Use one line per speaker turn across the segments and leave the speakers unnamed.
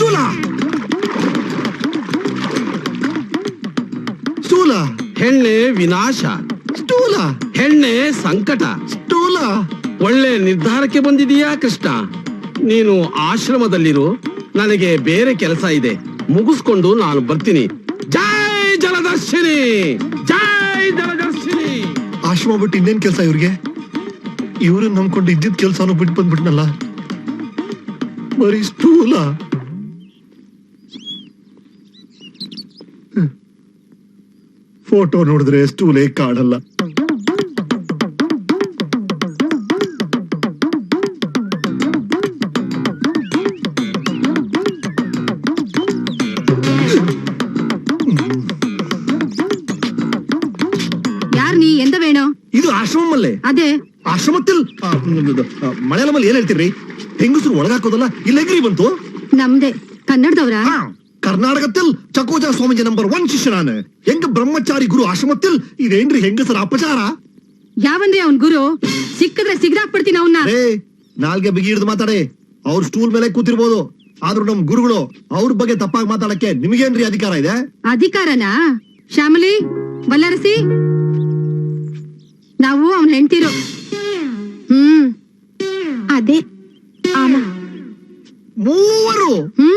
ಸ್ಥೂಲ ಸ್ಥೂಲ
ಹೆಣ್ಣೆ ವಿನಾಶ,
ಸ್ಥೂಲ
ಹೆಣ್ಣೆ ಸಂಕಟ.
ಸ್ಥೂಲ.
ಒಳ್ಳೆ ನಿರ್ಧಾರಕ್ಕೆ ಬಂದಿದೀಯಾ ಕೃಷ್ಣ. ನೀನು ಆಶ್ರಮದಲ್ಲಿರು, ನನಗೆ ಬೇರೆ ಕೆಲಸ ಇದೆ, ಮುಗಿಸ್ಕೊಂಡು ನಾನು ಬರ್ತೀನಿ. ಜೈ ಜಲದರ್ಶಿನಿ, ಜೈ ಜಲದರ್ಶಿನಿ.
ಆಶ್ರಮ ಬಿಟ್ಟು ಇನ್ನೇನ್ ಕೆಲಸ ಇವ್ರಿಗೆ? ಇವ್ರನ್ನ ನಂಬ್ಕೊಂಡು ಇದ್ದಿದ್ ಕೆಲ್ಸನೂ ಬಿಟ್ಟು ಬಂದ್ಬಿಟ್ನಲ್ಲ. ಬರೀ ಸ್ಥೂಲ. ಫೋಟೋ ನೋಡಿದ್ರೆ ಸ್ಥೂಲೇ ಕಾಣಲ್ಲ.
ಯಾರ್ ನೀ ಎಂತ ವೇಣು?
ಇದು ಆಶ್ರಮಲ್ಲೇ.
ಅದೇ
ಆಶ್ರಮത്തിൽ ಮಲಯಾಳಮಲ್ಲಿ ಏನ್ ಹೇಳ್ತೀರಿ? ಹೆಂಗಸರು ಒಳಗಾಕೋದಲ್ಲ, ಇಲ್ಲೆಗ್ರಿ ಬಂತು?
ನಮ್ದೆ ಕನ್ನಡದವ್ರ.
കർണാടകത്തിൽ ചക്കോജ സ്വാമിജി നമ്പർ 1 ಶಿಷ್ಯನಾണ്. ಹೆಂಗ ಬ್ರಹ್ಮಚಾರಿ ಗುರು ಆಶ್ರಮത്തിൽ ಇದೇನ್ರಿ ಹೆಂಗಸರ ಅಪಚಾರ?
ಯಾವಂದ್ರೆ ಅವ್ನ್ ಗುರು? ಸಿಕ್ಕಿದ್ರೆ ಸಿಗ್ದಾಕ್ಬಿಡ್ತೀನಿ ಅವನ್ನ.
ನಾಲ್ಗೆ ಬಿಗಿ ಹಿಡಿದು ಮಾತಾಡಿ. ಅವ್ರ ಸ್ಟೂಲ್ ಮೇಲೆ ಕೂತಿರ್ಬೋದು, ಆದ್ರೂ ನಮ್ ಗುರುಗಳು ಅವ್ರ ಬಗ್ಗೆ ತಪ್ಪಾಗಿ ಮಾತಾಡಕ್ಕೆ ನಿಮ್ಗೇನ್ರಿ ಅಧಿಕಾರ ಇದೆ?
ಅಧಿಕಾರನಾ? ಶ್ಯಾಮಲಿ, ಬಲ್ಲರಸಿ, ನಾವು ಅವನ್ ಹೆಂಡ್ತಿರು. ಅದೇ ಆಮ
ಮೂವರು.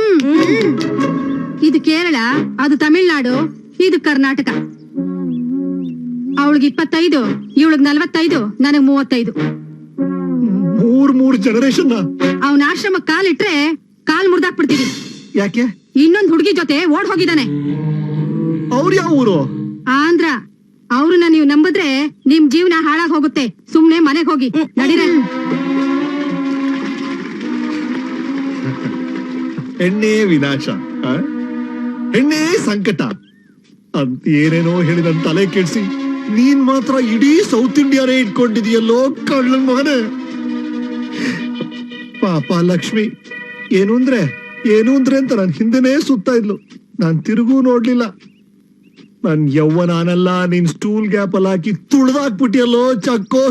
ಇದು ಕೇರಳ, ಅದು ತಮಿಳ್ನಾಡು, ಇದು ಕರ್ನಾಟಕ. ಅವಳಿಗೆ 25, ಇವಳಿಗೆ 45, ನನಗ್ 35.
ಮೂರ್ ಜನರೇಷನ್.
ಅವನ ಆಶ್ರಮ ಕಾಲಿಟ್ರೆ ಕಾಲ್ ಮುರ್ದಾಕ್ಬಿಡ್ತೀವಿ.
ಯಾಕೆ?
ಇನ್ನೊಂದ್ ಹುಡುಗಿ ಜೊತೆ ಓಡ್ ಹೋಗಿದ್ದಾನೆ.
ಅವ್ರು ಯಾವ ಊರು?
ಆಂಧ್ರ. ಅವ್ರನ್ನ ನೀವು ನಂಬಿದ್ರೆ ನಿಮ್ ಜೀವನ ಹಾಳಾಗ್ ಹೋಗುತ್ತೆ. ಸುಮ್ನೆ ಮನೆಗ್ ಹೋಗಿ ನಡೀರ.
ಹೆಣ್ಣೆ ವಿನಾಶ, ಹೆಣ್ಣೆ ಸಂಕಟ ಅಂತ ಏನೇನೋ ಹೇಳಿದ ತಲೆ ಕೆಡ್ಸಿ ನೀನ್ ಮಾತ್ರ ಇಡೀ ಸೌತ್ ಇಂಡಿಯಾನೇ ಇಟ್ಕೊಂಡಿದೀಯಲ್ಲೋ ಕಳ್ಳನ್ ಮಗನೇ. ಪಾಪ ಲಕ್ಷ್ಮಿ ಏನು ಅಂದ್ರೆ ಅಂತ ನನ್ ಹಿಂದೆನೇ ಸುತ್ತಾ ಇದ್ಲು. ನಾನ್ ತಿರುಗೂ ನೋಡ್ಲಿಲ್ಲ. ನನ್ ಯವ್ವನಾನಲ್ಲ, ನೀನ್ ಸ್ಟೂಲ್ ಗ್ಯಾಪ್ ಅಲ್ಲಿ ಹಾಕಿ ತುಳ್ದಾಕ್ಬಿಟ್ಟಿಯಲ್ಲೋ ಚಕ್ಕೋ.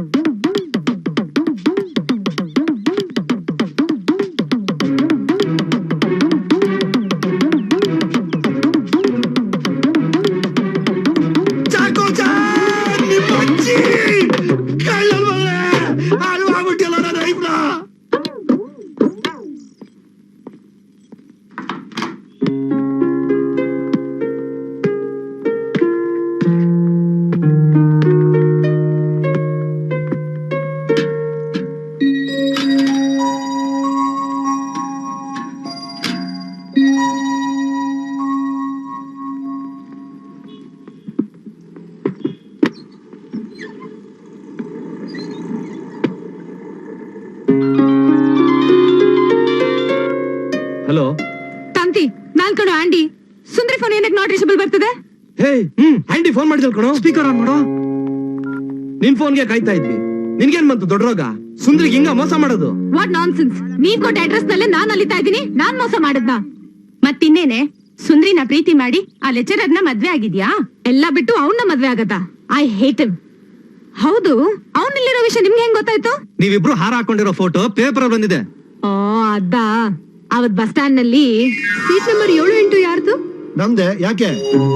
ಹಲೋ
ತಂತಿ, ನಾಲ್ಕಣು ಆಂಡಿ. ಸುಂದ್ರಿ ಫೋನ್ ಏನಕ್ಕೆ ನಾಟ್ ರೀಚಬಲ್ ಬರ್ತದೆ?
ಹೇ, ಆಂಟಿ ಫೋನ್ ಮಾಡಿದಲ್ ಕಣೋ. ಸ್ಪೀಕರ್ ಆನ್ ಮಾಡೋ. ನಿನ್ ಫೋನ್ಗೆ ಕಾಯ್ತಾ ಇದ್ವಿ. ನಿನ್ಗೇನ್ ಬಂತು ದೊಡ್ಡ ರೋಗ? ಸುಂದ್ರಿಗೆ ಹಿಂಗ ಮೋಸ ಮಾಡೋದು?
What nonsense. ನೀನ್ ಕೊಟ್ಟ ಅಡ್ರೆಸ್ ನಲ್ಲೇ ನಾನ್ ಅಲಿತಾ ಇದ್ದೀನಿ. ನಾನ್ ಮೋಸ ಮಾಡದ್ನಾ? ಮತ್ತಿನ್ನೇನೆ, ಸುಂದ್ರಿನ ಪ್ರೀತಿ ಮಾಡಿ ಆ ಲೆಕ್ಚರರ್ನ ಮದ್ವೆ ಆಗಿದ್ಯಾ? ಎಲ್ಲಾ ಬಿಟ್ಟು ಅವನ್ನ ಮದ್ವೆ ಆಗತ್ತಾ? I hate him. ಹೌದು, ಅವನಲ್ಲಿರೋ ವಿಷಯ ನಿಮ್ಗೆ ಹೆಂಗ್ ಗೊತ್ತಾಯ್ತು?
ನೀವಿಬ್ರು ಹಾರ ಹಾಕೊಂಡಿರೋ ಫೋಟೋ ಪೇಪರ್ ಬಂದಿದೆ.
ಓ ಅದಾ. ಅವತ್ ಬಸ್ ಸ್ಟ್ಯಾಂಡ್ ನಲ್ಲಿ ಸೀಟ್ ನಂಬರ್ 7, 8 ಯಾರ್ದು?
ನಮ್ದೆ. ಯಾಕೆ?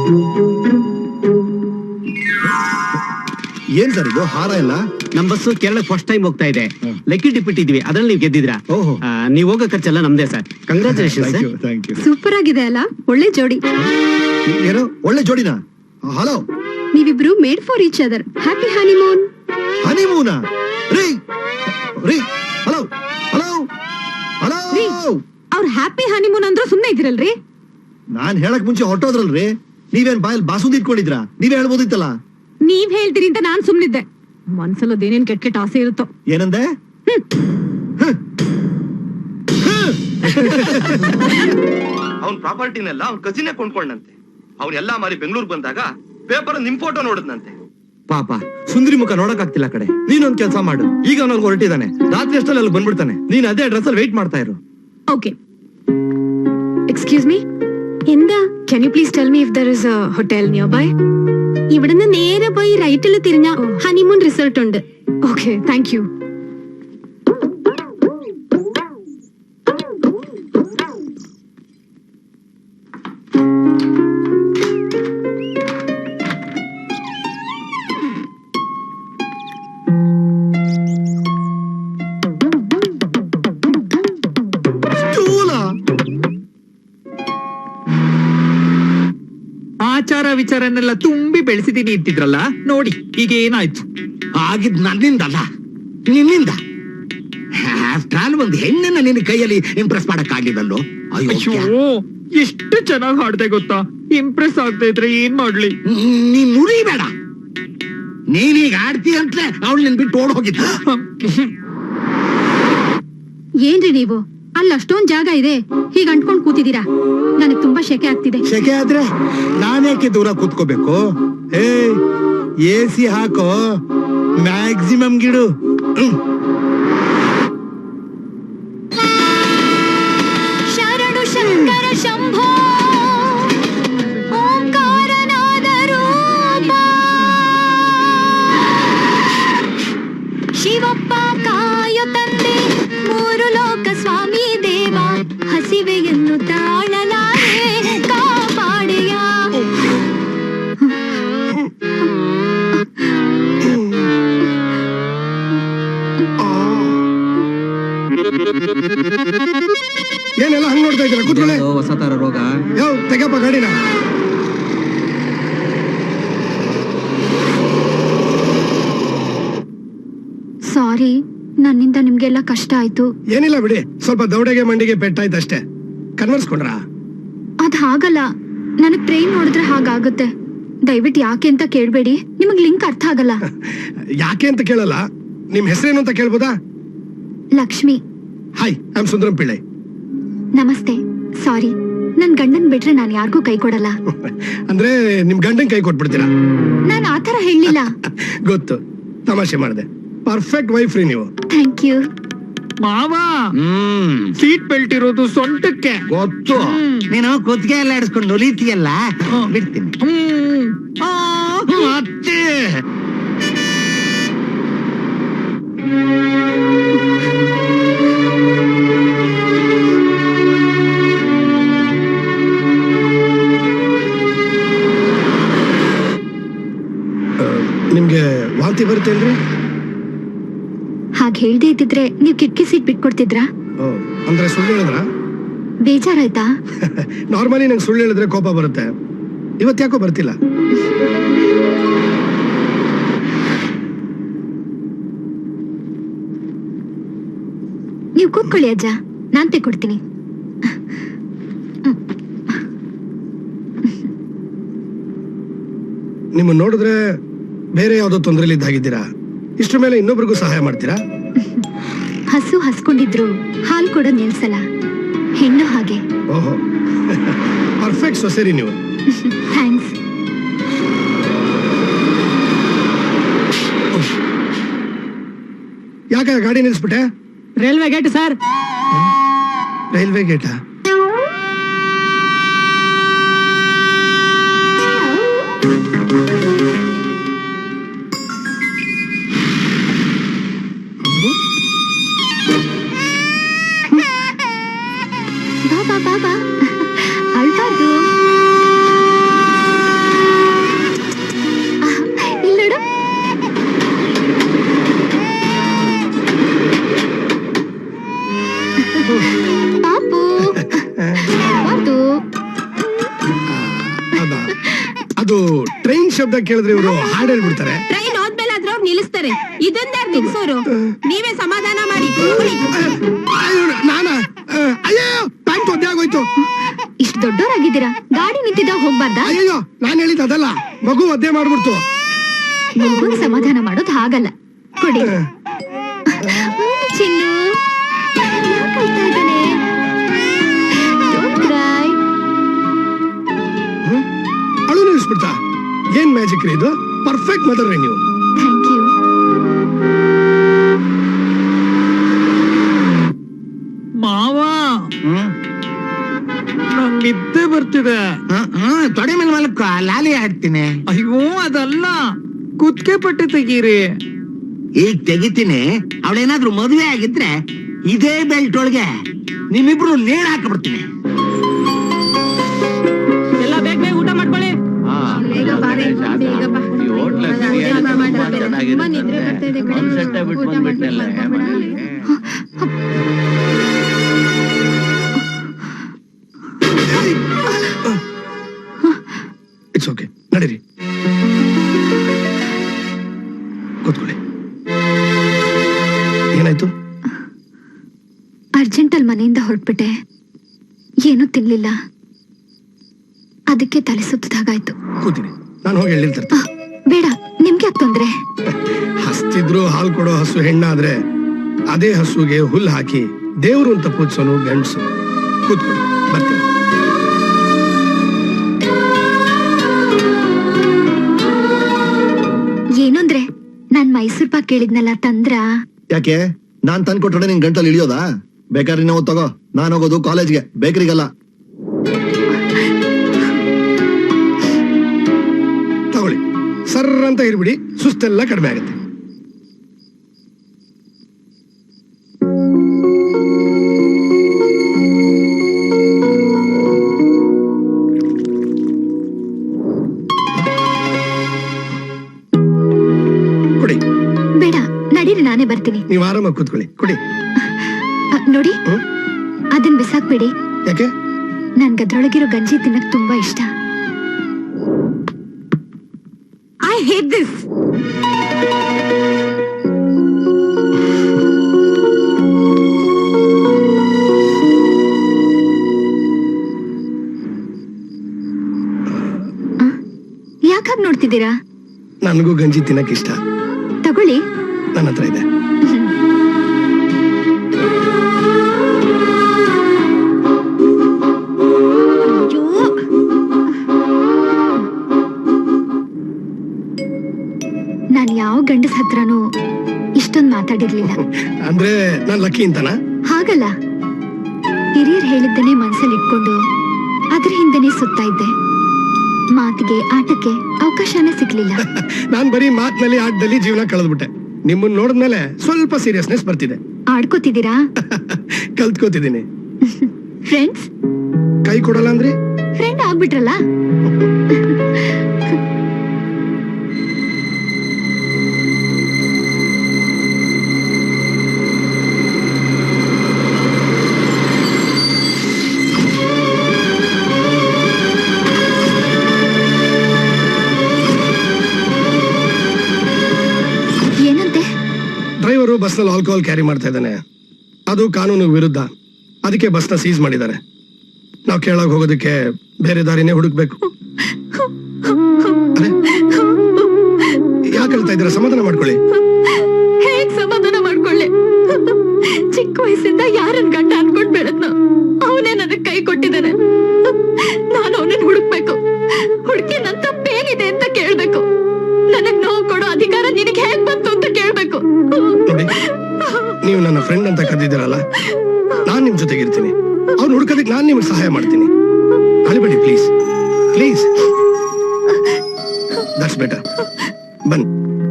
ಏನ್ ಸರ್ ಇದು ಹಾರ ಇಲ್ಲ?
ನಮ್ ಬಸ್ಸು ಕೇರಳ ಫಸ್ಟ್ ಟೈಮ್ ಹೋಗ್ತಾ ಇದೆ. ಲೆಕ್ಕಿ ಟಿಪ್ಪಿಟ್ಟಿದ್ವಿ, ಅದ್ರಲ್ಲಿ ನೀವು ಗೆದ್ದಿದ್ರಾ. ನೀವ್ ಹೋಗೋ ಖರ್ಚೆಲ್ಲ ನಮ್ದೇ ಸರ್. ಕಂಗ್ರಾಚುಲೇಷನ್.
ಸೂಪರ್ ಆಗಿದೆ ಅಲ್ಲ? ಒಳ್ಳೆ ಜೋಡಿ.
ಏನೋ ಒಳ್ಳೆ ಜೋಡಿನಾ? ಹಲೋ,
ನೀವಿಬ್ರು made for each other. Happy honeymoon.
ಹನಿಮೂನಾ? ರೀ ರೀ, ಹಲೋ ಹಲೋ ಹಲೋ.
ಅವ್ರ ಹ್ಯಾಪಿ ಹನಿಮೂನ್ ಅಂದ್ರು ಸುಮ್ನೆ ಇದ್ರಲ್ರಿ?
ನಾನ್ ಹೇಳಕ್ ಮುಂಚೆ ಹೊರಟೋದ್ರಲ್ರಿ. ನೀವೇನ್ ಬಾಯಲ್ಲಿ ಬಾಸುಂದಿ ಇಟ್ಕೊಂಡಿದ್ರಾ? ನೀವೇ ಹೇಳ್ಬೋದಿತ್ತಲ್ಲ.
ನೀವ್ ಹೇಳ್ತೀರಿ ಅಂತ ನಾನ್ ಸುಮ್ನಿದ್ದೆ. ಮನ್ಸಲ್ಲೋದೇನೇನ್ ಕೆಟ್ಟ ಕೆಟ್ಟ ಆಸೆ ಇರುತ್ತೋ.
ಏನಂದೆ?
ಅವ್ನ್ ಪ್ರಾಪರ್ಟಿನೆಲ್ಲ ಅವ್ನ್ ಕಸಿನೇ ಕೊಂಡ್ಕೊಂಡಂತೆ. ಅವ್ನೆಲ್ಲಾ ಮಾರಿ ಬೆಂಗಳೂರು ಬಂದಾಗ ಪೇಪರ್ ನಿಮ್ ಫೋಟೋ ನೋಡಿದ್ನಂತೆ.
ಪಾಪ ಸುಂದ್ರಿ ಮುಖ ನೋಡಕ್ ಆಗ್ತಿಲ್ಲ ಕಡೆ. ನೀನೊಂದ್ ಕೆಲಸ ಮಾಡು. ಈಗ ಅವನಲ್ಲಿ ಹೊರಟಿದ್ದಾನೆ, ರಾತ್ರಿ ಅಷ್ಟಲ್ಲಿ ಅಲ್ಲಿ ಬಂದ್ಬಿಡ್ತಾನೆ. ನೀನ್ ಅದೇ ಅಡ್ರೆಸ್ ಅಲ್ಲಿ ವೇಟ್ ಮಾಡ್ತಾ ಇರು.
ಓಕೆ. എക്സ്ക്യൂസ് മീ, എന്താ? Can you please tell me if there is a hotel nearby? ഇവിടുന്ന് നേരെ പോയി റൈറ്റിൽ തിരിഞ്ഞ ഹണിമൂൺ റിസോർട്ട് ഉണ്ട്. Okay, thank you.
ಲೆಕ್ಕಾಚಾರನೆಲ್ಲ ತುಂಬಿ ಬೆಳೆಸಿದೀನಿ ಅಂತಿದ್ರಲ್ಲ, ನೋಡಿ ಈಗ ಏನಾಯ್ತು.
ಆಗಿದ್ ನನ್ನಿಂದಲ್ಲ, ನಿನ್ನಿಂದ. ಆಫ್ಟರ್ ಆಲ್ ಒಂದು ಹೆಣ್ಣನ್ನ ನಿನ್ನ ಕೈಯಲ್ಲಿ ಇಂಪ್ರೆಸ್ ಮಾಡಕ್ ಆಗಿದಲ್ಲೋ.
ಅಯ್ಯೋ, ಎಷ್ಟು ಚೆನ್ನಾಗಿ ಹಾಡ್ದೆ ಗೊತ್ತಾ. ಇಂಪ್ರೆಸ್ ಆಗ್ತಾ ಇದ್ರೆ ಏನ್ ಮಾಡ್ಲಿ.
ನೀನ್ ನುರಿಬೇಡ. ನೀನೀಗ ಆಡ್ತಿ ಅಂತಲೇ ಅವಳು ನಿನ್ ಬಿಟ್ಟು ಓಡ್ ಹೋಗಿದ್ದ.
ಏನ್ರಿ ನೀವು ಅಲ್ಲಿ ಅಷ್ಟೊಂದ್ ಜಾಗ ಇದೆ, ಹೀಗ್ ಅಂಟ್ಕೊಂಡ್ ಕೂತಿದೀರಾ? ನನಗ್ ತುಂಬಾ ಶೆಕೆ ಆಗ್ತಿದೆ.
ಶೆಕೆ ಆದ್ರೆ ನಾನೇಕೆ ದೂರ ಕೂತ್ಕೋಬೇಕು? AC ಹಾಕೋ, ಮ್ಯಾಕ್ಸಿಮಮ್ ಗಿಡು.
ಶರಣು ಶಂಕರ ಶಂಭೋ ಓಂಕಾರನಾದ ರೂಪ ಶಿವಪ್ಪ ಕಾಯೋ ತಂದೆ ಮೂರು ಲೋಕ ಸ್ವಾಮಿ ದೇವ ಹಸಿವೆಯನ್ನು ತಾಳಲಾರೆ ಕಾಪಾಡೆಯ.
ಏನೆಲ್ಲ ಹಂಗ್ ನೋಡ್ತಾ ಇದ್ದೀರಾ? ಕೂತ್ಕೊಳ್ಳಿ.
ಹೊಸ ತರ ರೋಗ.
ಯಾವ ತೆಗಪ್ಪ ಗಾಡಿನ.
ಸಾರಿ, ನನ್ನಿಂದ ನಿಮ್ಗೆಲ್ಲ ಕಷ್ಟ ಆಯ್ತು.
ಏನಿಲ್ಲ ಬಿಡಿ, ಸ್ವಲ್ಪ ದೌಡೆಗೆ ಮಂಡಿಗೆ ಪೆಟ್ಟಾಯ್ತು ಅಷ್ಟೇ. ಕನ್ವರ್ಸ್ಕೊಂಡ್ರಾ?
ಅದ್ ಹಾಗಲ್ಲ, ನನಗ್ ಟ್ರೈನ್ ನೋಡಿದ್ರೆ ಹಾಗಾಗುತ್ತೆ. ದಯವಿಟ್ಟು ಯಾಕೆ ಅಂತ ಕೇಳ್ಬೇಡಿ, ನಿಮಗ್ ಲಿಂಕ್ ಅರ್ಥ ಆಗಲ್ಲ.
ಯಾಕೆ ಅಂತ ಕೇಳಲ್ಲ, ನಿಮ್ ಹೆಸರೇನು ಅಂತ ಕೇಳ್ಬೋದಾ?
Lakshmi.
Hi, I am Sundaram Pillai.
ನಮಸ್ತೆ. ಸಾರಿ, ನನ್ ಗಂಡನ್ ಬಿಟ್ರೆ ನಾನ್ ಯಾರಿಗೂ ಕೈ ಕೊಡಲ್ಲ.
ಅಂದ್ರೆ ನಿಮ್ ಗಂಡನ್ ಕೈ ಕೊಟ್ಬಿಡ್ತೀರಾ?
ನಾನ್ ಆತರ ಹೇಳಿಲ್ಲ.
ಗೊತ್ತು, ತಮಾಷೆ ಮಾಡಿದೆ. ಪರ್ಫೆಕ್ಟ್ ವೈಫ್ ರೀ ನೀವು.
Thank you.
ಮಾವ, ಸೀಟ್ ಬೆಲ್ಟ್ ಇರೋದು ಸೊಂಟಕ್ಕೆ.
ಗೊತ್ತು, ನೀನು ಕುತ್ತಿಗೆ ಎಲ್ಲ ಇಡಿಸ್ಕೊಂಡು ಹೊಲಿತೀಯಲ್ಲ, ಬಿಡ್ತೀನಿ. ಮತ್ತೆ
ನಿಮ್ಗೆ ವಾಂತಿ ಬರುತ್ತೆ ಅಂದ್ರೆ?
ಹಾಗೆ ಹೇಳ್ದೆ ಇದ್ದಿದ್ರೆ ನೀವ್ ಕಿಟಕಿ ಸೀಟ್ ಬಿಟ್ಕೊಡ್ತಿದ್ರಾ?
ಅಂದ್ರೆ ಸುಳ್ಳು ಹೇಳಿದ್ರ?
ಬೇಜಾರಾಯ್ತಾ?
ನಾರ್ಮಲಿ ನಂಗೆ ಸುಳ್ಳು ಹೇಳಿದ್ರೆ ಕೋಪ ಬರುತ್ತೆ, ಇವತ್ತು ಯಾಕೋ ಬರ್ತಿಲ್ಲ.
ನೀವ್ ಕೂತ್ಕೊಳ್ಳಿ ಅಜ್ಜ, ನಾನ್ ತೆಕ್ಕೊಡ್ತೀನಿ.
ನಿಮ್ಮ ನೋಡಿದ್ರೆ ಬೇರೆ ಯಾವ್ದೋ ತೊಂದರೆಲಿ ಇದ್ದಾಗಿದ್ದೀರಾ. ಇಷ್ಟ್ರ ಮೇಲೆ ಇನ್ನೊಬ್ರಿಗೂ ಸಹಾಯ ಮಾಡ್ತೀರಾ?
ಹಸು ಹಸ್ಕೊಂಡಿದ್ರು ಹಾಲು ಕೊಡೋದ್ ನಿಲ್ಸಲ್ಲ, ಹೆಣ್ಣು ಹಾಗೆ.
ಓಹೋ, ಪರ್ಫೆಕ್ಟ್ ಸೊಸೆರಿ ನೀವು.
ಥ್ಯಾಂಕ್ಸ್.
ಯಾಕೆ ಗಾಡಿ ನಿಲ್ಸ್ಬಿಟ್ಟೆ?
Railway gate sir.
ರೈಲ್ವೆ ಗೇಟಾ?
ಬಾಬಾ ಬಾಬಾ, ಅಳ್ಬಾರ್ದು. ಇಲ್ಲೋಡು. ಪಾಪು, ಅಳ್ಬಾರ್ದು.
ಅದು ಟ್ರೈನ್ ಶಬ್ದ ಕೇಳಿದ್ರೆ ಇವರು ಹಾಡು ಹೇಳ್ಬಿಡ್ತಾರೆ.
ಟ್ರೈನ್ ಹೋದ್ಮೇಲೆ ಆದ್ರೂ ಅವ್ರು ನಿಲ್ಲಿಸ್ತಾರೆ. ಇದೊಂದ ನಿಲ್ಸೋರು. ನೀವೇ ಸಮಾಧಾನ ಮಾಡಿ.
ನಾನಾ? ಅಯ್ಯೋ, ಪ್ಯಾಂಟ್ ಒದ್ದೆ ಆಗೋಯ್ತು.
ಇಷ್ಟು ದೊಡ್ಡವರಾಗಿದ್ದೀರಾ, ಗಾಡಿ ನಿಂತಿದ್ದಾಗ ಹೋಗ್ಬಾರ್ದಾ?
ಅಯ್ಯೋ, ನಾನ್ ಹೇಳಿದ ಅದಲ್ಲ, ಮಗು ಒದ್ದೆ ಮಾಡ್ಬಿಡ್ತು.
ಮಗುನ್ ಸಮಾಧಾನ ಮಾಡೋದು ಹಾಗಲ್ಲ. ಕೊಡಿ. ಚಿನ್ನು ಯಾಕ್ ಅಳ್ತಾ ಇದ್ದಾನೆ? Don't cry.
ಅಳು ನಿಲ್ಲಿಸ್ಬಿಡ್ತಾ? ಏನ್ ಮ್ಯಾಜಿಕ್ ರೀ ಇದು? ಪರ್ಫೆಕ್ಟ್ ಮದರ್ ರೀ ನೀವು.
Thank you.
ಮಾವ, ನಂಗ್ ನಿದ್ದೆ ಬರ್ತಿದೆ.
ತೊಡೆ ಮೇಲೆ ಮಲಕ್ಕ ಲಾಲಿ ಹಾಕ್ತೀನಿ.
ಅಯ್ಯೋ, ಅದಲ್ಲ, ಕುತ್ತಿಗೆ ಪಟ್ಟೆ ತೆಗೀರಿ.
ಈಗ ತೆಗಿತೀನಿ. ಅವಳೇನಾದ್ರೂ ಮದುವೆ ಆಗಿದ್ರೆ ಇದೇ ಬೆಲ್ಟ್ ಒಳಗೆ ನಿಮ್ಮಿಬ್ರು ನೇಣ್ ಹಾಕಬಿಡ್ತೀನಿ.
ಎಲ್ಲ ಬೇಗ ಬೇಗ ಊಟ ಮಾಡ್ಕೊಳ್ಳಿ.
ಇಟ್ಸ್ ಓಕೆ, ನಡಿ.
ಅರ್ಜೆಂಟಲ್ಲಿ ಮನೆಯಿಂದ ಹೊರಟ್ಬಿಟ್ಟೆ, ಏನೂ ತಿನ್ಲಿಲ್ಲ, ಅದಕ್ಕೆ ತಲೆ ಸುತ್ತದಾಗಾಯ್ತು.
ಕೂತೀನಿ, ನಾನು ಹೋಗಿ ಹೇಳಿರ್ತಾರೆ.
ಬೇಡ, ನಿಮ್ಗೆ ಯಾಕೆ ತೊಂದ್ರೆ?
ಹಸ್ತಿದ್ರು ಹಾಲು ಕೊಡೋ ಹಸು ಹೆಣ್ಣಾದ್ರೆ ಅದೇ ಹಸುಗೆ ಹುಲ್ಲು ಹಾಕಿ ದೇವ್ರು ಅಂತ ಪೂಜಿಸೋನು ಗಂಡಸು. ಕೂತ್ಕೊಳ್ಳಿ, ಬರ್ತೀನಿ.
ಏನಂದ್ರೆ ನಾನ್ ಮೈಸೂರ್ ಪಾಕ್ ಕೇಳಿದ್ನಲ್ಲ, ತಂದ್ರ?
ಯಾಕೆ ನಾನ್ ತಂದ್ಕೊಟ್ರೆ ನಿನ್ ಗಂಟಲ್ಲಿ ಇಳಿಯೋದಾ? ಬೇಕಾದ್ರೆ ನಾವು ತಗೋ, ನಾನು ಹೋಗೋದು ಕಾಲೇಜ್ಗೆ, ಬೇಕರಿಗಲ್ಲ. ತಗೊಳ್ಳಿ, ಸರ್ರ ಅಂತ ಇರ್ಬಿಡಿ, ಸುಸ್ತೆಲ್ಲ ಕಡಿಮೆ ಆಗುತ್ತೆ. ಕೊಡಿ.
ಬೇಡ, ನಡೀರಿ, ನಾನೇ ಬರ್ತೀನಿ.
ನೀವು ಆರಾಮಾಗಿ ಕೂತ್ಕೊಳ್ಳಿ, ಕೊಡಿ.
ನೋಡಿ, ಅದನ್ ಬಿಸಾಕ್ಬೇಡಿ.
ಯಾಕೆ?
ನನ್ಗದ್ರೊಳಗಿರೋ ಗಂಜಿ ತಿನ್ನಕ್ ತುಂಬಾ ಇಷ್ಟ.
I hate this.
ಯಾಕಾಗ್ ನೋಡ್ತಿದ್ದೀರಾ?
ನನಗೂ ಗಂಜಿ ತಿನ್ನಕ್ ಇಷ್ಟ.
ತಗೊಳ್ಳಿ,
ನನ್ನ ಹತ್ರ ಇದೆ.
ನಾನ್ ಯಾವ ಗಂಡಸ್ ಹತ್ರನೂ ಇಷ್ಟೊಂದ್ ಮಾತಾಡಿರ್ಲಿಲ್ಲ.
ಅಂದ್ರೆ ನಾನ್ ಲಕ್ಕಿ ಅಂತನಾ?
ಹಾಗಲ್ಲ, ಹಿರಿಯರ್ ಹೇಳಿದ್ದನ್ನೇ ಮನ್ಸಲ್ಲಿ ಇಟ್ಕೊಂಡು ಅದ್ರ ಹಿಂದೆನೆ ಸುತ್ತಾ ಇದ್ದೆ. ಮಾತಿಗೆ, ಆಟಕ್ಕೆ ಅವಕಾಶನೇ ಸಿಗ್ಲಿಲ್ಲ.
ನಾನ್ ಬರೀ ಮಾತಿನಲ್ಲಿ, ಆಟದಲ್ಲಿ ಜೀವನ ಕಳೆದ್ಬಿಟ್ಟೆ. ನಿಮ್ಮನ್ನ ನೋಡಿದ್ಮೇಲೆ ಸ್ವಲ್ಪ ಸೀರಿಯಸ್ನೆಸ್ ಬರ್ತಿದೆ.
ಆಡ್ಕೋತಿದ್ದೀರಾ?
ಕಲ್ತ್ಕೋತಿದ್ದೀನಿ.
ಫ್ರೆಂಡ್ಸ್?
ಕೈ ಕೊಡಲ್ಲ ಅಂದ್ರೆ
ಫ್ರೆಂಡ್ ಆಗ್ಬಿಟ್ರಲ್ಲ. ಏನಂತೆ?
ಡ್ರೈವರು ಬಸ್ನಲ್ಲಿ ಆಲ್ಕೋಹಾಲ್ ಕ್ಯಾರಿ ಮಾಡ್ತಾ ಇದ್ದಾನೆ, ಅದು ಕಾನೂನು ವಿರುದ್ಧ. ಅದಕ್ಕೆ ಬಸ್ನ ಸೀಸ್ ಮಾಡಿದ್ದಾರೆ. ನಾವು ಕೇಳಾಗ ಹೋಗೋದಕ್ಕೆ ಬೇರೆ ದಾರಿನೇ ಹುಡುಕ್ಬೇಕು. ಯಾಕೆ ಹೇಳ್ತಾ ಇದ್ದೀರಾ? ಸಮಾಧಾನ ಮಾಡ್ಕೊಳ್ಳಿ.
ಹೇಗ್ ಸಮಾಧಾನ ಮಾಡ್ಕೊಳ್ಳಿ? ಚಿಕ್ಕ ವಯಸ್ಸಿಂದ ಯಾರನ್ ಗಂಡ ಅನ್ಕೊಂಡ್ ಬೆಳೆದ್ನ, ಅವನೇ ನನಗ್ ಕೈ ಕೊಟ್ಟಿದ್ದಾನೆ. ನಾನು ಅವನನ್ನ ಹುಡುಕ್ಬೇಕು, ಹುಡುಕಿ ನನ್ ತಪ್ಪೇನಿದೆ ಅಂತ ಕೇಳ್ಬೇಕು. ನನಗ್ ನೋವು ಕೊಡೋ ಅಧಿಕಾರ ನಿನಗೆ ಹೇಗ್ ಬಂತು ಅಂತ ಕೇಳ್ಬೇಕು.
ನೋಡಿ, ನೀವು ನನ್ನ ಫ್ರೆಂಡ್ ಅಂತ ಕರೆದಿದ್ದೀರಲ್ಲ, ನಾನ್ ನಿಮ್ ಜೊತೆಗಿರ್ತೀನಿ. ಅವ್ನು ಹುಡ್ಕೋದಕ್ಕೆ ನಾನ್ ನಿಮ್ಗೆ ಸಹಾಯ ಮಾಡ್ತೀನಿ. ಅಳಿಬೇಡಿ ಪ್ಲೀಸ್, ಪ್ಲೀಸ್. That's better. ಬನ್ನಿ.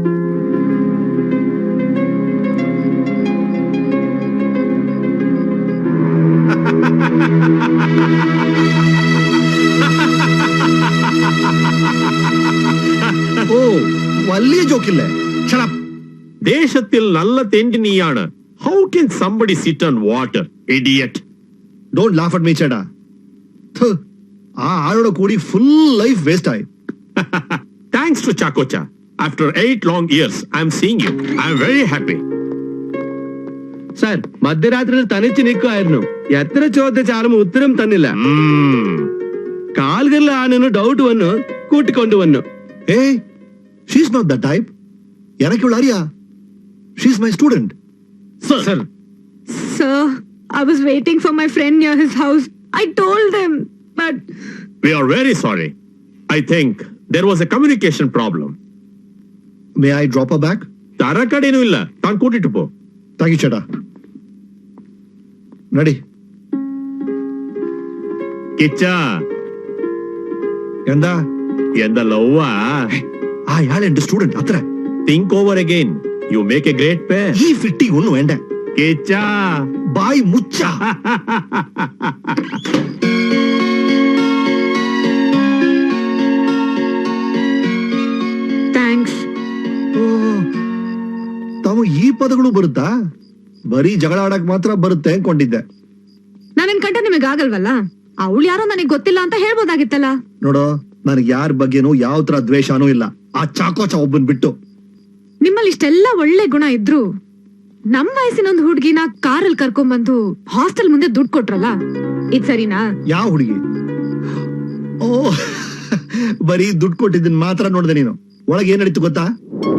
ഓ, വലിയ ജോക്കില്ലേ? Shut up.
ദേശത്തിൽ നല്ല തെണ്ടി നീയാണ്. How can somebody sit on water, idiot?
Don't laugh at me, ചേട്ടാ. ആ ആളോട് കൂടി ഫുൾ ലൈഫ് വേസ്റ്റ് ആയി.
Thanks to Chakocha. After 8 long years, I'm seeing you. I'm very happy.
Sir, മധ്യരാത്രിയിൽ തനിച്ച് നിൽക്കുമായിരുന്നു. എത്ര ചോദിച്ചാലും ഉത്തരം തന്നില്ല. കാലുകളിലാണെന്ന് ഡൗട്ട് വന്നു, കൂട്ടിക്കൊണ്ടുവന്നു.
Hey, she's not that type. எனக்கு இவள அறியா? She's my student.
Sir.
Sir, I was waiting for my friend near his house. I told them, but
We are very sorry. I think there was a communication problem.
May I drop her back?
തറക്കടേനും ഇല്ല, താൻ കൂട്ടിട്ട് പോ.
Thank you, ചേട്ടാ. നടി.
കിച്ച,
എന്താ?
എന്താ ലവ്വാ?
അയാൾ എന്റെ സ്റ്റുഡന്റ്, അത്ര.
Think over again. You make a great pair.
ഈ ഫിറ്റിംഗ് ഒന്നും വേണ്ട.
കിച്ച.
ബായ് മുച്ച.
thanks.
ತಾವು ಈ ಪದಗಳು ಬರುತ್ತಾ? ಬರೀ ಜಗಳ ಆಡಕ್ ಮಾತ್ರ ಬರುತ್ತೆ ಅನ್ಕೊಂಡಿದ್ದೆ.
ನನ್ನ ಕಂಡ ನಿಮಗೆ ಆಗಲ್ವಲ್ಲ? ಅವಳು ಯಾರೋ ನನಗೆ ಗೊತ್ತಿಲ್ಲ ಅಂತ ಹೇಳ್ಬೋದಾಗಿತ್ತಲ್ಲ.
ನೋಡೋ, ನನಗೆ ಯಾರ ಬಗ್ಗೆನೂ ಯಾವ ತರ ದ್ವೇಷನೂ ಇಲ್ಲ, ಆ ಚಾಕೋಚ ಒಬ್ಬನ್ ಬಿಟ್ಟು.
ನಿಮ್ಮಲ್ಲಿ ಇಷ್ಟೆಲ್ಲ ಒಳ್ಳೆ ಗುಣ ಇದ್ರು ನಮ್ ವಯಸ್ಸಿನ ಒಂದು ಹುಡ್ಗಿನ ಕಾರಲ್ಲಿ ಕರ್ಕೊಂಡ್ಬಂದು ಹಾಸ್ಟೆಲ್ ಮುಂದೆ ದುಡ್ಡು ಕೊಟ್ರಲ್ಲ ಇದ್ ಸರಿನಾ?
ಯಾವ ಹುಡುಗಿ? ಓ ಬರೀ ದುಡ್ಡು ಕೊಟ್ಟಿದ್ದನ್ ಮಾತ್ರ ನೋಡ್ದೆ ನೀನು. ಒಳಗೆ ಏನ್ ನಡೀತು ಗೊತ್ತಾ?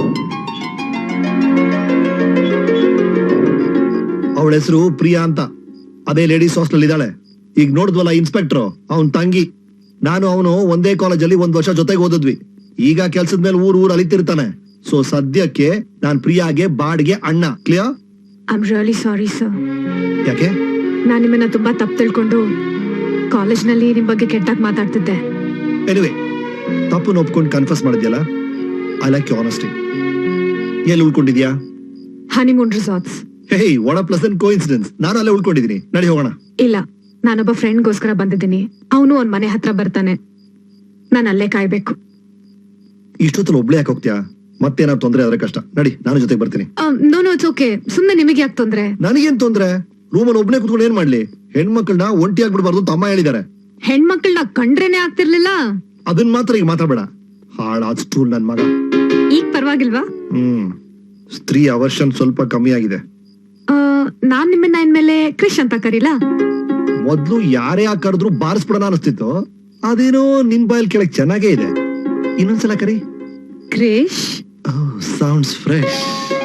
ಅವಳ ಹೆಸರು ಪ್ರಿಯಾ ಅಂತ. ಅದೇ ಲೇಡೀಸ್ ಹಾಸ್ಟೆಲ್ ಇದ್ದಾಳೆ. ಈಗ ನೋಡಿದ್ವಲ್ಲ ಇನ್ಸ್ಪೆಕ್ಟರ್, ಅವನ್ ತಂಗಿ. ನಾನು ಅವನು ಒಂದೇ ಕಾಲೇಜಲ್ಲಿ 1 ವರ್ಷ ಜೊತೆಗೆ ಓದಿದ್ವಿ. ಈಗ ಕೆಲ್ಸದ ಮೇಲೆ ಊರ್ ಅಲಿತಿರ್ತಾನೆ. ಸೊ ಸದ್ಯಕ್ಕೆ ನಾನ್ ಪ್ರಿಯಾಗೆ ಬಾಡ್ಗೆ ಅಣ್ಣ. Clear?
I am really sorry sir.
ಯಾಕೆ?
ನಾನ್ ನಿಮ್ಮನ್ನ ತುಂಬಾ ತಪ್ಪು ತಿಳ್ಕೊಂಡು ಕಾಲೇಜ್ನಲ್ಲಿ ನಿಮ್ ಬಗ್ಗೆ ಕೆಟ್ಟಾಗಿ ಮಾತಾಡ್ತಿದ್ದೆ.
ಎನಿವೆ, ತಪ್ಪು ಒಪ್ಕೊಂಡು ಕನ್ಫರ್ಸ್ ಮಾಡಿದ್ಯಲ್ಲ, ಐ ಲೈಕ್ ಯು ಆನೆಸ್ಟಿ. ಎಲ್ಲಿ ಉಳ್ಕೊಂಡಿದ್ಯಾ?
Honeymoon resorts.
ಹೇ, ವಾಟ್ ಅ ಪ್ಲೆಸೆಂಟ್ ಕೋಇನ್ಸಿಡೆನ್ಸ್. ನಾನು ಅಲ್ಲೇ ಉಳ್ಕೊಂಡಿದ್ದೀನಿ. ನಡಿ ಹೋಗೋಣ.
ಇಲ್ಲ, ನಾನೊಬ್ಬ ಫ್ರೆಂಡ್ಗೋಸ್ಕರ ಬಂದಿದ್ದೀನಿ. ಅವನು ಒಂದ್ ಮನೆ ಹತ್ರ ಬರ್ತಾನೆ. ನಾನು ಅಲ್ಲೇ ಕಾಯ್ಬೇಕು.
ಇಷ್ಟೊತ್ತಲ್ಲಿ ಒಬ್ಳೆ ಯಾಕೆ ಹೋಗ್ತೀಯಾ? ಮತ್ತೇನಾದ್ರು ತೊಂದ್ರೆ ಆದ್ರೆ ಕಷ್ಟ. ನಡಿ, ನಾನು ಜೊತೆಗೆ ಬರ್ತೀನಿ.
No it's okay. ಸುಮ್ನೆ ನಿಮಗೆ ಯಾಕೆ ತೊಂದ್ರೆ?
ನನಗೇನ್ ತೊಂದ್ರೆ? ರೂಮಲ್ಲಿ ಒಬ್ನೇ ಕುತ್ಕೊಂಡು ಏನ್ ಮಾಡ್ಲಿ? ಹೆಣ್ಮಕ್ಳನ್ನ ಒಂಟಿ ಆಗ್ಬಿಡ್ಬಾರ್ದು ಅಂತ ಅಮ್ಮ ಹೇಳಿದಾರೆ.
ಹೆಣ್ಮಕ್ಳನ್ನ ಕಂಡ್ರೇನೆ ಆಗ್ತಿರ್ಲಿಲ್ಲ.
ಅದನ್ ಮಾತ್ರ ಈಗ ಮಾತಾಡ್ಬೇಡ. ಹಾಳಾದ್ ಸ್ಟೂಲ್ ನನ್ ಮಗ.
ಈಗ ಪರವಾಗಿಲ್ವಾ?
ಸ್ತ್ರೀ ಅವರ್ಷನ್ ಸ್ವಲ್ಪ ಕಮ್ಮಿ ಆಗಿದೆ.
ನಾನ್ ನಿಮ್ಮನ್ನ ಇನ್ಮೇಲೆ ಕ್ರಿಶ್ ಅಂತ ಕರೀಲಾ?
ಮೊದ್ಲು ಯಾರೇ ಕರೆದ್ರು ಬಾರಿಸ್ಬಿಡೋಣ ಅನಿಸ್ತಿತ್ತು. ಅದೇನೋ ನಿನ್ ಬಾಯಲ್ಲಿ ಕೆಳಗ್ ಚೆನ್ನಾಗೇ ಇದೆ. ಇನ್ನೊಂದ್ಸಲ ಕರಿ.
ಕ್ರಿಶ್.
Sounds fresh.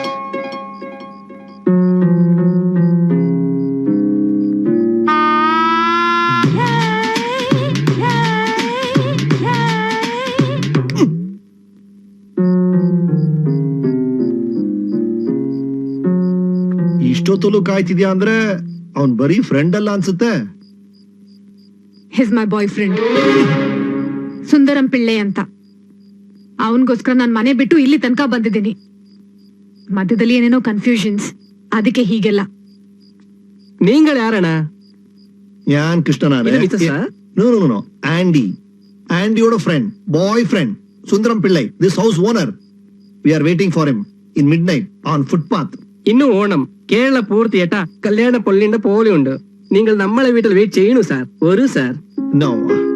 ಇಷ್ಟೊತ್ತಲ್ಲೂ ಕಾಯ್ತಿದ್ಯಾ ಅಂದ್ರೆ ಅವನ್ ಬರೀ ಫ್ರೆಂಡ್ ಅಲ್ಲ ಅನ್ಸುತ್ತೆ.
ಹಿಸ್ ಮೈ ಬಾಯ್ ಫ್ರೆಂಡ್ ಸುಂದರಂ ಪಿಳ್ಳೆ ಅಂತ. ಅವನ್ಗೋಸ್ಕರ ನಾನ್ ಮನೆ ಬಿಟ್ಟು ಇಲ್ಲಿ ತನಕ ಬಂದಿದ್ದೀನಿ. ಮಧ್ಯದಲ್ಲಿ ಏನೇನೋ ಕನ್ಫ್ಯೂಷನ್ಸ್, ಅದಕ್ಕೆ ಹೀಗೆಲ್ಲ.
நீங்கள் யாரண்ணா?
ഞാൻ കൃഷ്ണനാണ്.
ഇത് മിസ്സസ്സാ?
No Andy. ആൻഡിയോட friend, boy friend Sundaram Pillai. This house owner. We are waiting for him in midnight on footpath.
ഇന്ന് ഓണം കേരള പൂർത്തിയേട്ടാ കല്യാണ പൊള്ളിന്റെ പോലെയുണ്ട്. നിങ്ങൾ നമ്മളെ വീട്ടിൽ വെയിറ്റ് ചെയ്യണു സാർ. ഒരു സാർ.
ನೋ,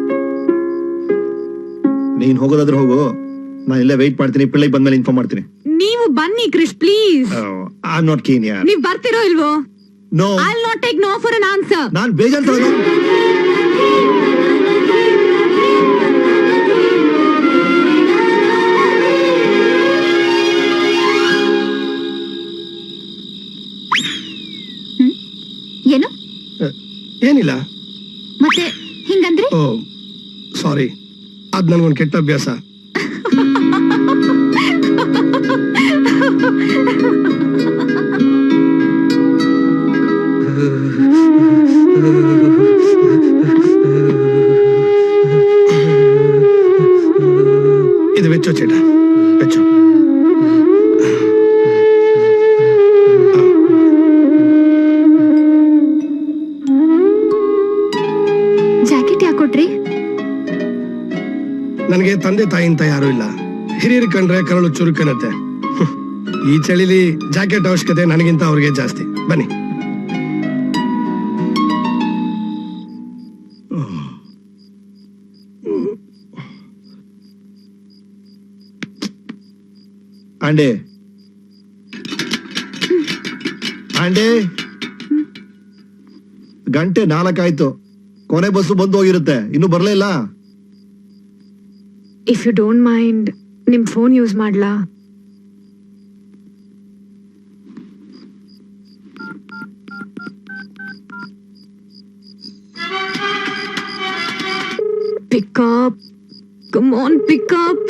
ನೀನ್ ಹೋಗೋದಾದ್ರೆ ಹೋಗು. ನಾನು ಇಲ್ಲೇ ವೆಯ್ಟ್ ಮಾಡ್ತೀನಿ. ಪಿಳ್ಳೈ ಬಂದ್ಮೇಲೆ ಇನ್ಫಾರ್ಮ್ ಮಾಡ್ತೀನಿ.
ನೀವು ಬನ್ನಿ Krish please.
I am not keen ಯಾರ್.
ನೀವ್ ಬರ್ತಿರೋ ಇಲ್ವೋ?
No,
I will not take no for an answer.
ನಾನ್ ಬೇಜಾರ್
ಏನು?
ಏನಿಲ್ಲ.
ಮತ್ತೆ ಹಿಂಗಂದ್ರೆ?
ಓ ಸಾರಿ, ಅದ್ ನನ್ಗೊಂದು ಕೆಟ್ಟ ಅಭ್ಯಾಸ. ಇದು ವೆಚ್ಚೋ ಚೇಟ, ವೆಚ್ಚೋ.
ಜಾಕೆಟ್ ಯಾಕೆ ಕೊಟ್ರಿ?
ನನಗೆ ತಂದೆ ತಾಯಿ ಅಂತ ಯಾರು ಇಲ್ಲ. ಹಿರಿಯರು ಕಂಡ್ರೆ ಕರಳು ಚುರುಕನತ್ತೆ. ಈ ಚಳಿಲಿ ಜಾಕೆಟ್ ಅವಶ್ಯಕತೆ ನನಗಿಂತ ಅವ್ರಿಗೆ ಜಾಸ್ತಿ. ಬನ್ನಿ.
ಆಂಡೆ ಆಂಡೆ, ಗಂಟೆ 4 ಆಯ್ತು. ಕೊನೆ ಬಸ್ಸು ಬಂದು ಹೋಗಿರುತ್ತೆ. ಇನ್ನು ಬರ್ಲೇ ಇಲ್ಲ.
ಇಫ್ ಯು ಡೋಂಟ್ ಮೈಂಡ್, ನಿಮ್ ಫೋನ್ ಯೂಸ್ ಮಾಡ್ಲಾ? Pick up. Come on, pick up.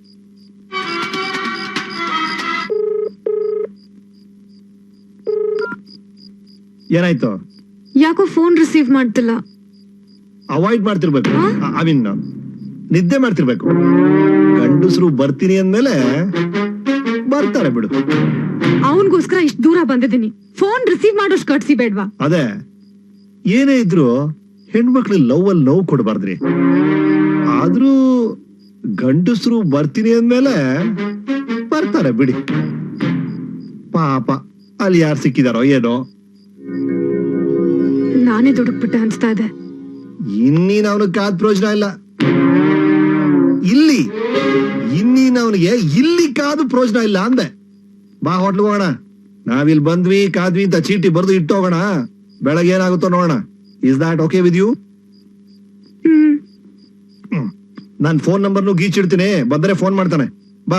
ಏನಾಯ್ತು?
ಯಾಕೋ ಫೋನ್ ರಿಸೀವ್ ಮಾಡ್ತಿಲ್ಲ.
ಅವಾಯ್ಡ್ ಮಾಡ್ತಿರ್ಬೇಕು. ಐ ಮೀನ್ ನಿದ್ದೆ ಮಾಡ್ತಿರ್ಬೇಕು. ಗಂಡಸರು ಬರ್ತೀನಿ ಅಂದ್ಮೇಲೆ ಬರ್ತಾರೆ ಬಿಡು.
ಅವನ್ಗೋಸ್ಕರ ಇಷ್ಟು ದೂರ ಬಂದಿದ್ದೀನಿ. ಫೋನ್ ರಿಸೀವ್ ಮಾಡೋಷ್ಟು ಕಟ್ಸಿ ಬೇಡ್ವಾ?
ಅದೇ, ಏನೇ ಇದ್ರು ಹೆಣ್ಮಕ್ಳು ಲವ್ ಅಲ್ಲಿ ನೋವು ಕೊಡಬಾರ್ದ್ರಿ. ಆದ್ರೂ ಗಂಡಸರು ಬರ್ತೀನಿ ಅಂದ್ಮೇಲೆ ಬರ್ತಾರೆ ಬಿಡಿ. ಪಾಪ ಅಲ್ಲಿ ಯಾರು ಸಿಕ್ಕಿದಾರೋ ಏನೋ.
ನಾನೇ ದುಡುಕ್ಬಿಟ್ಟೆ ಅನ್ಸ್ತಾ ಇದೆ.
ಇನ್ನೀನ್ ಅವನಿಗೆ ಕಾದ್ ಪ್ರಯೋಜನ ಇಲ್ಲ. ಇನ್ನೀನ್ ಅವನಿಗೆ ಇಲ್ಲಿ ಕಾದು ಪ್ರಯೋಜನ ಇಲ್ಲ ಅಂದೆ. ಬಾ ಹೋಟ್ಲಿಗೆ ಹೋಗೋಣ. ನಾವಿಲ್ ಬಂದ್ವಿ ಕಾದ್ವಿ ಅಂತ ಚೀಟಿ ಬರ್ದು ಇಟ್ಟೋಗೋಣ, ಬೆಳಗ್ಗೆ ಏನಾಗುತ್ತೋ ನೋಡೋಣ. Is that okay with you? ನಾನ್ ಫೋನ್ ನಂಬರ್ನು ಗೀಚಿಡ್ತೀನಿ, ಬಂದ್ರೆ ಫೋನ್ ಮಾಡ್ತಾನೆ. ಬಾ.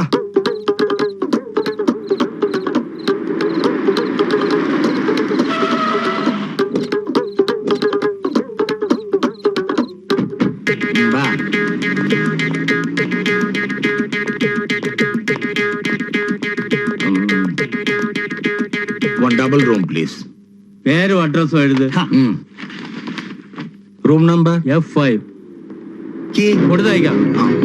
ಬಾ.
One double room, please.
പേരും അഡ്രസ്സും എഴുത്.
Room number?
F5
Key?
കൊടുത്തയക്കാം.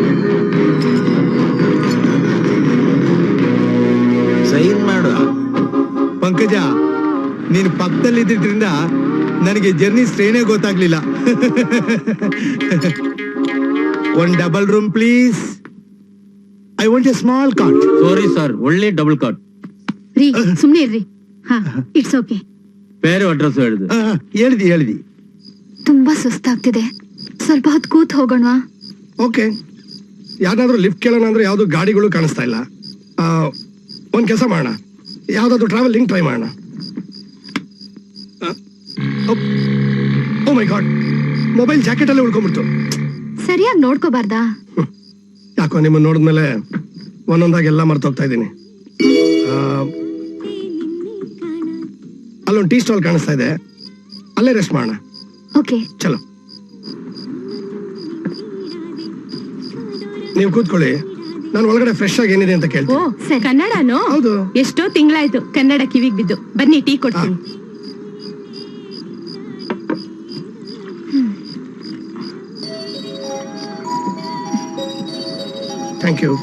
Sign ಮಾಡು.
ಪಂಕಜ, ನೀನ್ ಪಕ್ಕದಲ್ಲಿ ಇದ್ದಿದ್ರಿಂದ ನನಗೆ ಜರ್ನಿ ಸ್ಟ್ರೇನೇ ಗೊತ್ತಾಗ್ಲಿಲ್ಲ. One double room please. I want a small cot.
Sorry sir, ಒಳ್ಳೆ ಡಬಲ್ ಕಾಟ್.
ರೀ ಸುಮ್ನೆ ಇರ್ರಿ. ಹಾ, ಇಟ್ಸ್ ಓಕೆ.
പേരും ಅಡ್ರೆಸ್ ಎഴുದು.
ಹೇಳ್ದಿ.
ತುಂಬಾ ಸುಸ್ತಾಗ್ತಿದೆ, ಸ್ವಲ್ಪ ಹೊತ್ತು ಕೂತ್ ಹೋಗೋಣವಾ?
ಓಕೆ. ಯಾವ್ದಾದ್ರು ಲಿಫ್ಟ್ ಕೇಳೋಣ ಅಂದ್ರೆ ಯಾವ್ದು ಗಾಡಿಗಳು ಕಾಣಿಸ್ತಾ ಇಲ್ಲ. ಒಂದ್ ಕೆಲಸ ಮಾಡೋಣ, ಯಾವ್ದಾದ್ರು ಟ್ರಾವೆಲಿಂಗ್ ಟ್ರೈ ಮಾಡೋಣ. Oh my god, mobile jacket ಅಲ್ಲೇ ಉಳ್ಕೊಂಡ್ಬಿಡ್ತು.
ಸರಿಯಾಗಿ ನೋಡ್ಕೋಬಾರ್ದಾ?
ಯಾಕೋ ನಿಮ್ಮನ್ನ ನೋಡಿದ್ಮೇಲೆ ಒಂದೊಂದಾಗಿ ಎಲ್ಲ ಮರ್ತೋಗ್ತಾ ಇದ್ದೀನಿ. ಅಲ್ಲೊಂದು ಟೀ ಸ್ಟಾಲ್ ಕಾಣಿಸ್ತಾ ಇದೆ, ಅಲ್ಲೇ ರೆಸ್ಟ್ ಮಾಡೋಣ.
ಓಕೆ
ಚಲೋ, ನೀವು ಕೂತ್ಕೊಳ್ಳಿ, ನಾನು ಒಳಗಡೆ ಫ್ರೆಶ್ ಆಗಿ ಏನಿದೆ ಅಂತ
ಓ
ಕೇಳ್ತೀನಿ.
ಕನ್ನಡನೋ?
ಹೌದು.
ಎಷ್ಟೋ ತಿಂಗಳಾಯ್ತು ಕನ್ನಡ ಕಿವಿಗ್ ಬಿದ್ದು. ಬನ್ನಿ ಟೀ ಕೊಡ್ತೀನಿ.
Thank you.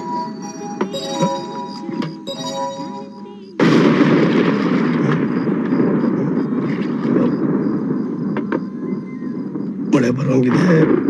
ಮಳೆ ಬರೋಂಗಿದೆ.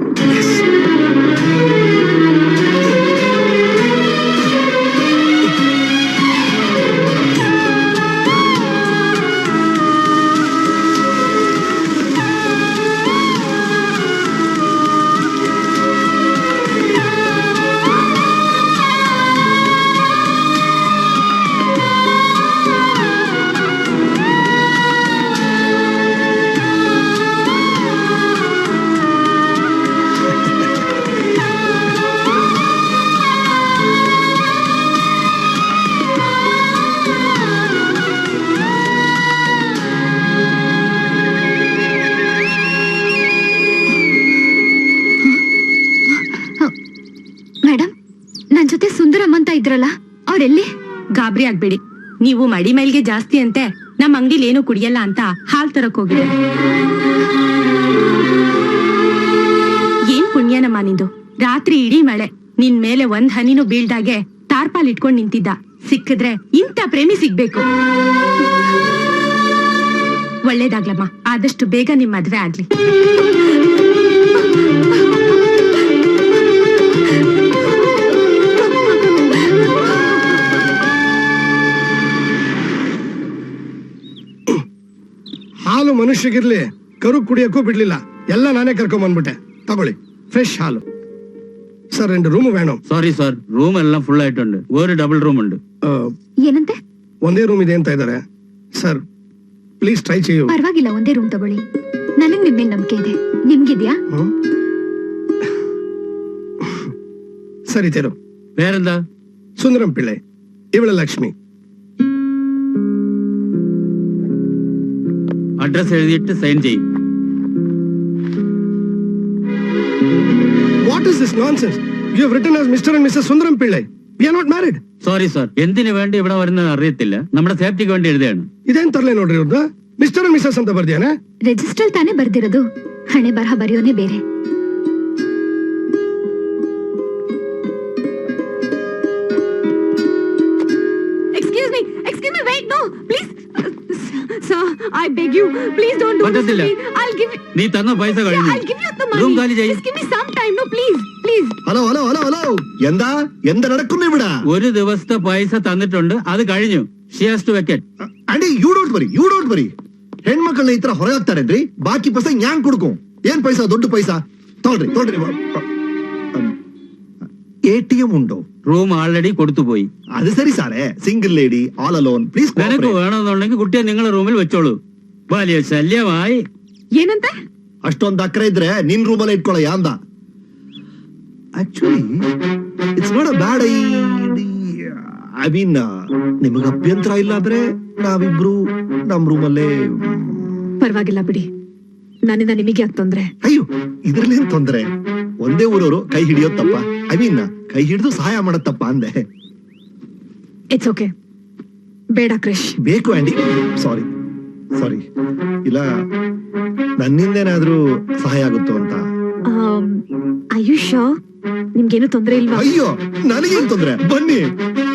ಮೇಡಮ್, ನನ್ ಜೊತೆ ಸುಂದರಮ್ ಅಂತ ಇದ್ರಲ್ಲ, ಅವ್ರೆಲ್ಲಿ?
ಗಾಬರಿ ಆಗ್ಬೇಡಿ, ನೀವು ಮಡಿ ಮೈಲ್ಗೆ ಜಾಸ್ತಿ ಅಂತೆ ನಮ್ ಅಂಗಡಿಲಿ ಏನು ಕುಡಿಯಲ್ಲ ಅಂತ ಹಾಲ್ ತರಕ್ ಹೋಗಿದೆ. ಏನ್ ಪುಣ್ಯನಮ್ಮ ನಿಂದು, ರಾತ್ರಿ ಇಡೀ ಮಳೆ, ನಿನ್ ಮೇಲೆ ಒಂದ್ ಹನಿನೂ ಬೀಳ್ದಾಗೆ ತಾರ್ಪಾಲ್ ಇಟ್ಕೊಂಡ್ ನಿಂತಿದ್ದ. ಸಿಕ್ಕಿದ್ರೆ ಇಂಥ ಪ್ರೇಮಿ ಸಿಗ್ಬೇಕು. ಒಳ್ಳೇದಾಗ್ಲಮ್ಮ, ಆದಷ್ಟು ಬೇಗ ನಿಮ್ ಮದ್ವೆ ಆಗ್ಲಿ.
ಹಾಲು ಮನುಷ್ಯಗಿರ್ಲಿ, ಕರು ಕುಡಿಯಕ್ಕೂ ಬಿಡ್ಲಿಲ್ಲ. ಎಲ್ಲ ನಾನೇ ಕರ್ಕೊಂಡ್ ಬಂದ್ಬಿಟ್ಟೆ. ತಗೊಳ್ಳಿ, ಫ್ರೆಶ್ ಹಾಲು. ಸರ್, 2 ರೂಮ್ വേണം.
സോറി സാർ, റൂം എല്ലാം ഫുൾ ആയിട്ടുണ്ട്. ഒരു ഡബിൾ റൂം ഉണ്ട്.
ಏನಂತೆ?
ಒಂದೇ ರೂಮ್ ಇದೆ ಅಂತ ಇದ್ದಾರೆ. ಸರ್, ಪ್ಲೀಸ್ ಟ್ರೈ ചെയ്യൂ.
ಪರವಾಗಿಲ್ಲ, ಒಂದೇ ರೂಮ್ ತಗೊಳ್ಳಿ. ನನಗ್ ನಿಮ್ ಮೇಲೆ ನಂಬಿಕೆ ಇದೆ. ನಿಮ್ಗಿದ್ಯಾ?
ಸರಿ ತೇರು.
പേരെന്താ?
ಸುಂದರಂ ಪಿಳ್ಳೈ, ಇವಳ ಲಕ್ಷ್ಮಿ.
അഡ്രസ് എഴുതിയിട്ട് സൈൻ ചെയ്യും.
What is this nonsense? You have written as Mr. and Mrs. Sundaram Pillai. We are not married.
Sorry sir, എന്തിനു വേണ്ടി ഇവിടെ വരുന്നത് അറിയത്തില്ല. നമ്മുടെ സേഫ്റ്റിക്ക് വേണ്ടി എഴുതിയാണ്.
ಇದೇನ್ ತರಲೆ ನೋಡ್ರಿ ಇವ್ರದ್ದು. ಮಿಸ್ಟರ್ ಅಂಡ್ ಮಿಸಸ್ ಅಂತ ಬರ್ದಿಯಾನೆ.
ರಿಜಿಸ್ಟರ್ ತಾನೇ ಬರ್ದಿರೋದು, ಹಣೆ ಬರಹ ಬರೆಯೋನೇ ಬೇರೆ.
Excuse me, wait, no, please. Sir, I beg you, please don't do this to
പറ്റത്തില്ല.
me. I'll give you.
നീ തന്ന പൈസ കഴിഞ്ഞു.
I'll give you the money.
Room കാലി ചെയ്യ്.
Just give me some time, no, please.
Hello hello hello hello, എന്താ നടക്കുന്നു ഇവിടെ?
ഒരു ദിവസത്തെ പൈസ തന്നിട്ടുണ്ട്, അത് കഴിഞ്ഞു. She has to vacate.
Aunty, you don't worry. ಹೆಣ್ಮಕ್ಳನ್ನ ಈ ತರ ಹೊರಗೆ ಹಾಕ್ತಾರೇನ್ರಿ? ಬಾಕಿ ಪೈಸಾ ನ್ಯಾಂಗ್ ಕೊಡ್ಕೊ. ಏನ್ ಪೈಸಾ? ದೊಡ್ಡ ಪೈಸಾ. ತೊಗೊಳ್ರಿ. ATM ಉಂಟು?
റൂം ആൾറെഡി കൊടുത്തുപോയി.
അത് സരി സാറേ, single lady all alone please.
നിനക്ക് വേണമെന്നുണ്ടെങ്കിൽ കുട്ടിയെ നിങ്ങളെ റൂമിൽ വെച്ചോളൂ. വലിയ ശല്യമായി.
ಏನಂತೆ?
ಅಷ್ಟೊಂದು ಅಕ್ರೆ ಇದ್ರೆ ನಿನ್ ರೂಮಲ್ಲಿ ಇಟ್ಕೊಳ್ಳಯ್ಯ ಅಂದ. Actually it's not a bad I mean, ನಿಮಗೆ ಅಭ್ಯಂತರ ಇಲ್ಲ ಅಂದ್ರೆ ನಾವಿಬ್ರು ನಮ್ ರೂಮಲ್ಲೇ.
ಪರವಾಗಿಲ್ಲ ಬಿಡಿ, ನನ್ನಿಂದ ನಿಮಗೆ ಯಾಕೆ ತೊಂದ್ರೆ?
ಅಯ್ಯೋ, ಇದ್ರಲ್ಲೇನ್ ತೊಂದ್ರೆ? ಒಂದೇ ಊರವರು ಕೈ ಹಿಡಿಯೋದ್ ತಪ್ಪ? ಐ ಮೀನ್, ಕೈ ಹಿಡಿದು ಸಹಾಯ ಮಾಡೋದ್ ತಪ್ಪ ಅಂದೆ.
ಇಟ್ಸ್ ಓಕೆ, ಬೇಡ ಕ್ರಿಶ್.
ಬೇಕು ಆಂಡಿ, ಸಾರಿ ಸಾರಿ. ಇಲ್ಲ, ನನ್ನಿಂದೇನಾದ್ರೂ ಸಹಾಯ ಆಗುತ್ತೋ ಅಂತ.
ಆಯುಷ್, ನಿಮ್ಗೇನು ತೊಂದ್ರೆ ಇಲ್ವಾ?
ಅಯ್ಯೋ, ನನಗೇನ್ ತೊಂದ್ರೆ? ಬನ್ನಿ.